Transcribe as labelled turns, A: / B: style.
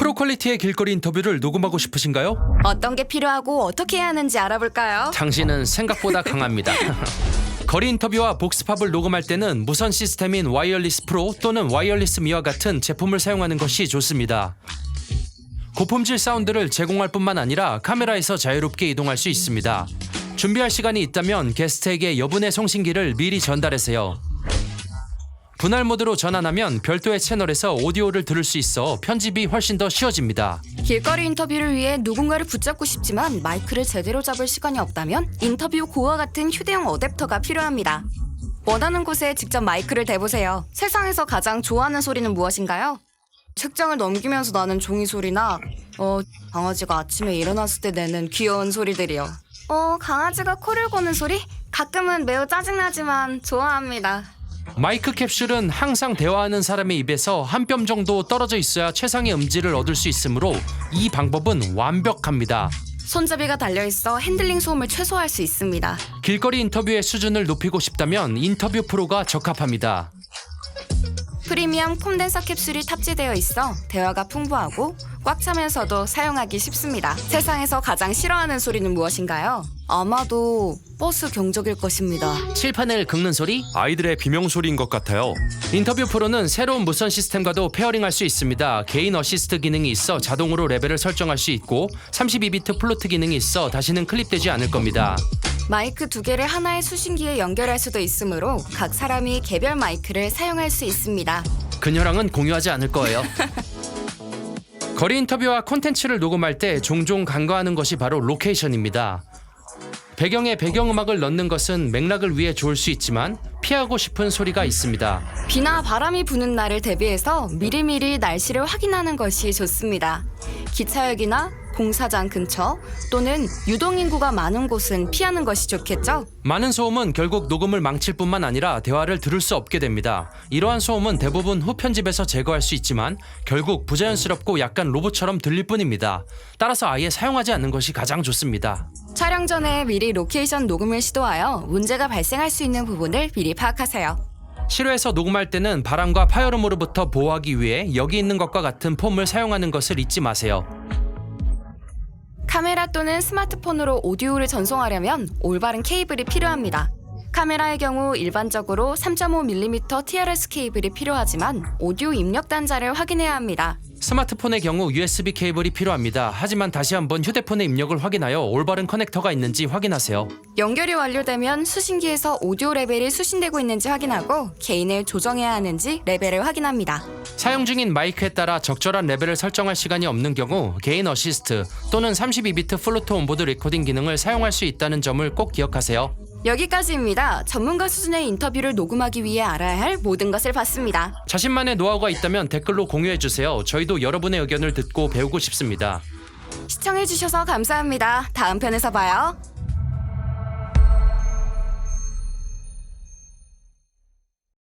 A: 프로 퀄리티의 길거리 인터뷰를 녹음하고 싶으신가요?
B: 어떤 게 필요하고 어떻게 해야 하는지 알아볼까요?
A: 당신은 생각보다 강합니다. 거리 인터뷰와 복스팝을 녹음할 때는 무선 시스템인 와이어리스 프로 또는 와이어리스 미와 같은 제품을 사용하는 것이 좋습니다. 고품질 사운드를 제공할 뿐만 아니라 카메라에서 자유롭게 이동할 수 있습니다. 준비할 시간이 있다면 게스트에게 여분의 송신기를 미리 전달하세요. 분할 모드로 전환하면 별도의 채널에서 오디오를 들을 수 있어 편집이 훨씬 더 쉬워집니다.
B: 길거리 인터뷰를 위해 누군가를 붙잡고 싶지만 마이크를 제대로 잡을 시간이 없다면 인터뷰 고와 같은 휴대용 어댑터가 필요합니다. 원하는 곳에 직접 마이크를 대보세요. 세상에서 가장 좋아하는 소리는 무엇인가요? 책장을 넘기면서 나는 종이 소리나 강아지가 아침에 일어났을 때 내는 귀여운 소리들이요. 강아지가 코를 고는 소리? 가끔은 매우 짜증나지만 좋아합니다.
A: 마이크 캡슐은 항상 대화하는 사람의 입에서 한 뼘 정도 떨어져 있어야 최상의 음질을 얻을 수 있으므로 이 방법은 완벽합니다.
B: 손잡이가 달려있어 핸들링 소음을 최소화할 수 있습니다.
A: 길거리 인터뷰의 수준을 높이고 싶다면 인터뷰 프로가 적합합니다.
B: 프리미엄 콘덴서 캡슐이 탑재되어 있어 대화가 풍부하고 꽉 차면서도 사용하기 쉽습니다. 세상에서 가장 싫어하는 소리는 무엇인가요? 아마도 버스 경적일 것입니다.
A: 칠판을 긁는 소리?
C: 아이들의 비명소리인 것 같아요.
A: 인터뷰 프로는 새로운 무선 시스템과도 페어링할 수 있습니다. 개인 어시스트 기능이 있어 자동으로 레벨을 설정할 수 있고 32비트 플루트 기능이 있어 다시는 클립되지 않을 겁니다.
B: 마이크 2개를 하나의 수신기에 연결할 수도 있으므로 각 사람이 개별 마이크를 사용할 수 있습니다.
A: 그녀랑은 공유하지 않을 거예요. 거리 인터뷰와 콘텐츠를 녹음할 때 종종 간과하는 것이 바로 로케이션입니다. 배경에 배경음악을 넣는 것은 맥락을 위해 좋을 수 있지만 피하고 싶은 소리가 있습니다.
B: 비나 바람이 부는 날을 대비해서 미리미리 날씨를 확인하는 것이 좋습니다. 기차역이나 공사장 근처 또는 유동인구가 많은 곳은 피하는 것이 좋겠죠?
A: 많은 소음은 결국 녹음을 망칠 뿐만 아니라 대화를 들을 수 없게 됩니다. 이러한 소음은 대부분 후편집에서 제거할 수 있지만 결국 부자연스럽고 약간 로봇처럼 들릴 뿐입니다. 따라서 아예 사용하지 않는 것이 가장 좋습니다.
B: 촬영 전에 미리 로케이션 녹음을 시도하여 문제가 발생할 수 있는 부분을 미리 파악하세요.
A: 실외에서 녹음할 때는 바람과 파열음으로부터 보호하기 위해 여기 있는 것과 같은 폼을 사용하는 것을 잊지 마세요.
B: 카메라 또는 스마트폰으로 오디오를 전송하려면 올바른 케이블이 필요합니다. 카메라의 경우 일반적으로 3.5mm TRS 케이블이 필요하지만 오디오 입력 단자를 확인해야 합니다.
A: 스마트폰의 경우 USB 케이블이 필요합니다. 하지만 다시 한번 휴대폰의 입력을 확인하여 올바른 커넥터가 있는지 확인하세요.
B: 연결이 완료되면 수신기에서 오디오 레벨이 수신되고 있는지 확인하고 게인을 조정해야 하는지 레벨을 확인합니다.
A: 사용 중인 마이크에 따라 적절한 레벨을 설정할 시간이 없는 경우 개인 어시스트 또는 32비트 플루트 온보드 레코딩 기능을 사용할 수 있다는 점을 꼭 기억하세요.
B: 여기까지입니다. 전문가 수준의 인터뷰를 녹음하기 위해 알아야 할 모든 것을 봤습니다.
A: 자신만의 노하우가 있다면 댓글로 공유해주세요. 저희도 여러분의 의견을 듣고 배우고 싶습니다.
B: 시청해주셔서 감사합니다. 다음 편에서 봐요.